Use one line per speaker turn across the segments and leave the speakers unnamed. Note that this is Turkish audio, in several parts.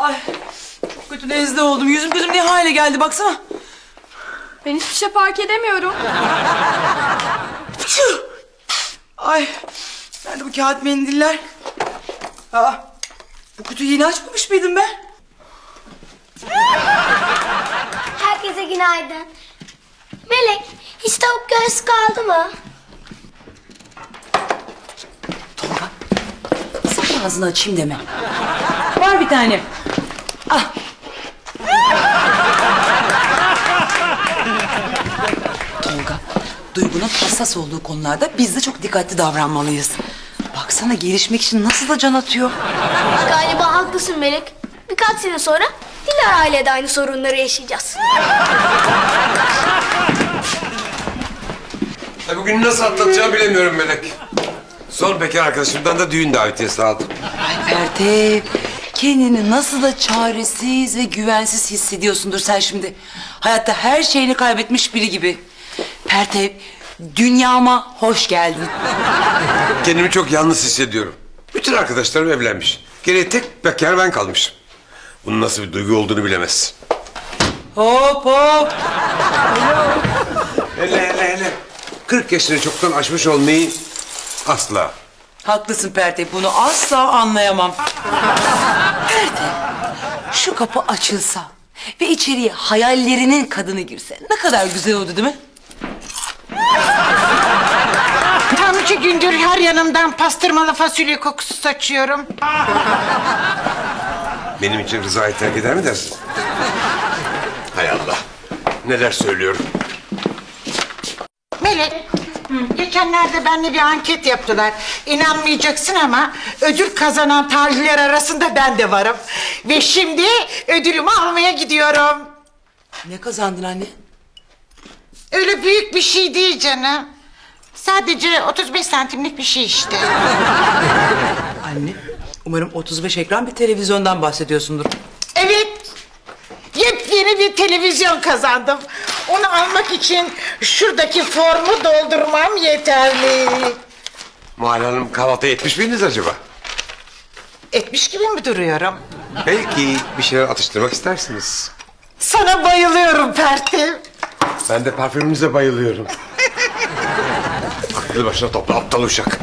Ay çok kötü nezle oldum. Yüzüm gözüm ne hale geldi baksana.
Ben hiçbir şey fark edemiyorum.
Ay nerede bu kağıt mendiller? Aa, bu kutuyu yeni açmamış mıydım ben?
Herkese günaydın. Melek, hiç tavuk göğsü kaldı mı?
Tolga sakın ağzını açayım deme. Var bir tane. Ah. Tolga, Duygu'nun hassas olduğu konularda biz de çok dikkatli davranmalıyız. Baksana gelişmek için nasıl da can atıyor.
Galiba haklısın Melek. Birkaç sene sonra Dilara ile de aynı sorunları yaşayacağız.
Bugün nasıl atlatacağımı bilemiyorum Melek. Son bekar arkadaşımdan da düğün davetiyesi aldım.
Ay Pertev, kendini nasıl da çaresiz ve güvensiz hissediyorsundur sen şimdi. Hayatta her şeyini kaybetmiş biri gibi. Pertev, dünyama hoş geldin.
Kendimi çok yalnız hissediyorum. Bütün arkadaşlarım evlenmiş. Geriye tek bekar ben kalmışım. Bunun nasıl bir duygu olduğunu bilemezsin.
Hop hop.
Hele. 40 yaşını çoktan aşmış olmayı asla.
Haklısın Pertev, bunu asla anlayamam. Pertev, şu kapı açılsa ve içeriye hayallerinin kadını girse ne kadar güzel oldu değil mi?
Tam 2 gündür her yanımdan pastırmalı fasulye kokusu saçıyorum.
Benim için Rıza'yı terk eder mi dersin? Hay Allah. Neler söylüyorum.
Melek, geçenlerde benimle bir anket yaptılar. İnanmayacaksın ama ödül kazanan tarihler arasında ben de varım. Ve şimdi ödülümü almaya gidiyorum.
Ne kazandın anne?
Öyle büyük bir şey değil canım. Sadece 35 santimlik bir şey işte.
Anne, umarım 35 ekran bir televizyondan bahsediyorsundur.
Evet. Yepyeni bir televizyon kazandım. Onu almak için şuradaki formu doldurmam yeterli.
Muhalle Hanım kahvaltıya etmiş miydiniz acaba?
Etmiş gibi mi duruyorum?
Belki bir şeyler atıştırmak istersiniz.
Sana bayılıyorum Pertev.
Ben de parfümünüze bayılıyorum. Aklı başına topla aptal uşak.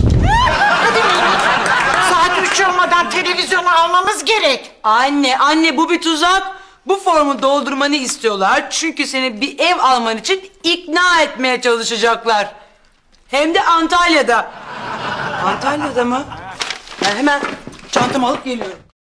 Saat 3 olmadan televizyonu almamız gerek.
Anne bu bir tuzak. Bu formu doldurmanı istiyorlar. Çünkü seni bir ev alman için ikna etmeye çalışacaklar. Hem de Antalya'da. Antalya'da mı? Ben hemen çantamı alıp geliyorum.